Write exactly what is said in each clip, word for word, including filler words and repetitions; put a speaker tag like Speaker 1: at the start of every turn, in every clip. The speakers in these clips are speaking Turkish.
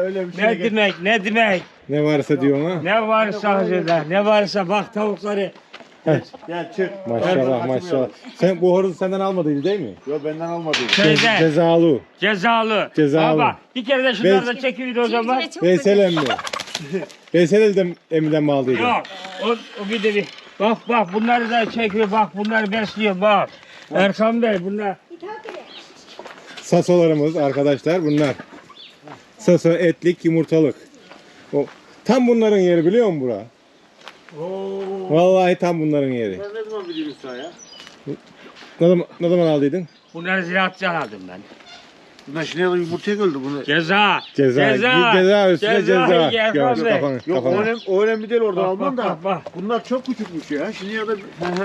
Speaker 1: öyle bir şey.
Speaker 2: Ne demek, ne demek?
Speaker 3: Ne varsa diyor ha.
Speaker 2: Ne varsa hazırda, ne varsa bak tavukları.
Speaker 1: Gel çık.
Speaker 3: Maşallah maşallah. Sen bu horozu senden almadın değil mi?
Speaker 1: Yok benden almadı.
Speaker 3: Ce-
Speaker 2: Şeyde,
Speaker 3: cezalı.
Speaker 2: cezalı.
Speaker 3: Cezalı.
Speaker 2: Baba, bir kere de şunları da
Speaker 3: Ben-
Speaker 2: çekildi o zaman.
Speaker 3: Veysel emmi. Veysel elden emminden mi aldıydı?
Speaker 2: Yok, o, o bir de bir. Bak bak bunları da çekiyor, bak bunları besliyor, bak. Erkan Bey bunlar.
Speaker 3: Sasolarımız arkadaşlar bunlar. Saso etlik yumurtalık. O tam bunların yeri biliyor musun bura?
Speaker 2: Oo.
Speaker 3: Vallahi tam bunların yeri.
Speaker 1: Ben ne zaman bileyim sen ya?
Speaker 3: Ne zaman, ne zaman aldıydın?
Speaker 2: Bunları ziraatçıdan aldım ben.
Speaker 1: Bunlar şimdi yumurtaya öldü bunu.
Speaker 2: Ceza.
Speaker 3: Ceza.
Speaker 2: Ceza.
Speaker 3: Ceza üstüne ceza.
Speaker 2: Erkan
Speaker 3: Gör,
Speaker 2: Bey.
Speaker 3: kafanı,
Speaker 1: Yok o
Speaker 3: kafanı.
Speaker 1: önemli, o önemli değil oradan
Speaker 2: Bak,
Speaker 1: alman
Speaker 2: bak,
Speaker 1: da.
Speaker 2: bak, bak.
Speaker 1: Bunlar çok küçükmüş ya. Şimdi ya da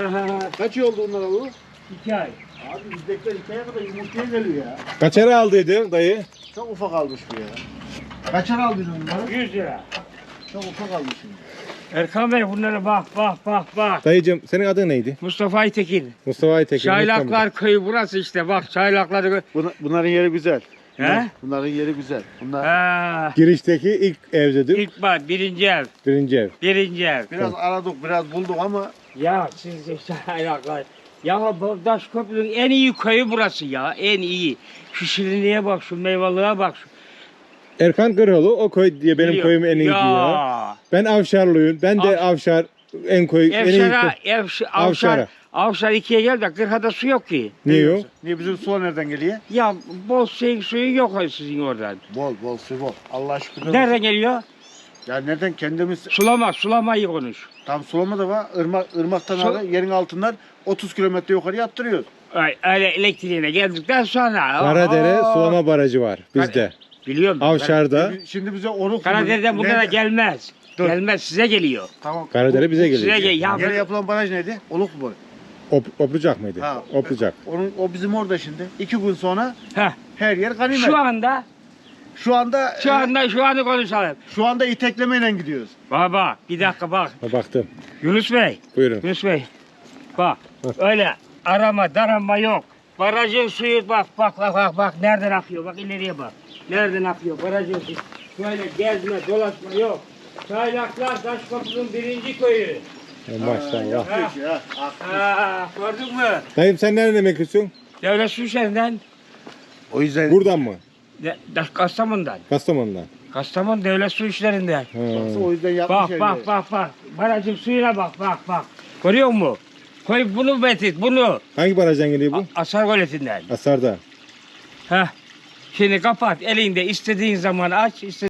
Speaker 1: kaç yıl oldu bunlar alı?
Speaker 2: İki ay.
Speaker 1: Abi bizdekiler iki aya kadar yumurtaya geliyor ya.
Speaker 3: Kaç ara aldıydın dayı?
Speaker 1: Çok ufak almış bu ya. Kaçar aldın onları?
Speaker 2: yüz lira.
Speaker 1: Çok ufak almış şimdi.
Speaker 2: Erkan Bey bunlara bak bak bak bak.
Speaker 3: Dayıcım senin adın neydi?
Speaker 2: Mustafa Aytekin.
Speaker 3: Mustafa Aytekin.
Speaker 2: Çaylaklar köyü burası işte bak çaylakları. gö-
Speaker 1: Buna, bunların yeri güzel. Bunlar,
Speaker 2: He?
Speaker 1: bunların yeri güzel. Bunlar
Speaker 2: Ha.
Speaker 3: Girişteki ilk evdedir.
Speaker 2: İlk bak birinci ev.
Speaker 3: Birinci ev.
Speaker 2: Birinci ev.
Speaker 1: biraz aradık, biraz bulduk ama
Speaker 2: Ya siz de çaylaklar. Ya bu Daşköprü'nün en iyi köyü burası ya. En iyi. Şu şirinliğe bak, şu meyvalığa bak. Şu.
Speaker 3: Erkan Kırhoğlu o köy diye benim
Speaker 2: Biliyor.
Speaker 3: köyüm en iyi
Speaker 2: ya.
Speaker 3: diyor. Ben Avşarlıyım. Ben de Avşar en koy en iyi
Speaker 2: Evşar'a,
Speaker 3: köy.
Speaker 2: Evş,
Speaker 3: Avşar'a.
Speaker 2: Avşar, Avşar ikiye gel de Kırha'da su yok ki.
Speaker 3: Niye yok?
Speaker 1: niye bizim sular nereden geliyor?
Speaker 2: Ya bol şey suyu yok sizin oradan.
Speaker 1: Bol bol su bol. Allah şükür.
Speaker 2: Nereden geliyor?
Speaker 1: Ya nereden kendimiz
Speaker 2: Sulama, sulamayı konuş.
Speaker 1: tam sulama da var. Irmak, ırmaktan
Speaker 2: Su-
Speaker 1: aldı, yerin altından otuz kilometre yukarı attırıyoruz.
Speaker 2: Ay, öyle elektriğine geldikten sonra.
Speaker 3: Karadere
Speaker 2: Aa,
Speaker 3: sulama barajı var bizde.
Speaker 2: Biliyorum.
Speaker 3: Avşar'da.
Speaker 1: Şimdi bize onu
Speaker 2: Karadere'den bunlara
Speaker 1: Nerede?
Speaker 2: gelmez.
Speaker 1: Dur.
Speaker 2: Gelmez size geliyor.
Speaker 1: Tamam.
Speaker 3: Karadere bize
Speaker 2: Size
Speaker 3: geliyor.
Speaker 2: gel. Ya
Speaker 1: Yere yapılan baraj neydi? Oluk mu?
Speaker 3: Op, oplucak mıydı?
Speaker 1: Ha.
Speaker 3: Oplucak.
Speaker 1: Onun, o bizim orada şimdi. İki gün sonra
Speaker 2: Heh,
Speaker 1: her yer ganimet.
Speaker 2: şu anda,
Speaker 1: Şu anda
Speaker 2: şu
Speaker 1: e,
Speaker 2: anda, şu anda konuşalım.
Speaker 1: şu anda iteklemeyle gidiyoruz.
Speaker 2: Baba, bir dakika bak.
Speaker 3: Ha, baktım.
Speaker 2: Yunus Bey,
Speaker 3: Buyurun.
Speaker 2: Yunus Bey. Bak, öyle arama, darama yok. Barajın suyu bak, bak, bak, bak, bak. Nereden akıyor? Bak ileriye bak. Nereden akıyor? Barajın suyu. Şöyle gezme, dolaşma yok. Çaylaklar Daşköprü'nün birinci köyü.
Speaker 3: Ya, maşallah.
Speaker 2: Ha.
Speaker 1: Ya.
Speaker 2: Ha, gördün mü?
Speaker 3: Dayım sen nereden emeklisin?
Speaker 2: Devlet su işlerinden,
Speaker 1: O yüzden
Speaker 3: Buradan mı?
Speaker 2: de, Daş- Kastamonu'dan.
Speaker 3: Kastamonu'dan.
Speaker 2: Kastamonu devlet su işlerinden.
Speaker 3: Ha.
Speaker 1: o yüzden yapmış
Speaker 2: Bak
Speaker 1: her
Speaker 2: bak
Speaker 1: yeri.
Speaker 2: bak bak. Barajın suyuna bak bak bak. Görüyor musun? Koy bunu betit bunu.
Speaker 3: Hangi barajdan geliyor bu?
Speaker 2: A- Asar goletinden.
Speaker 3: Asar'da.
Speaker 2: Heh. Şimdi kapat elinde istediğin zaman aç. istediğin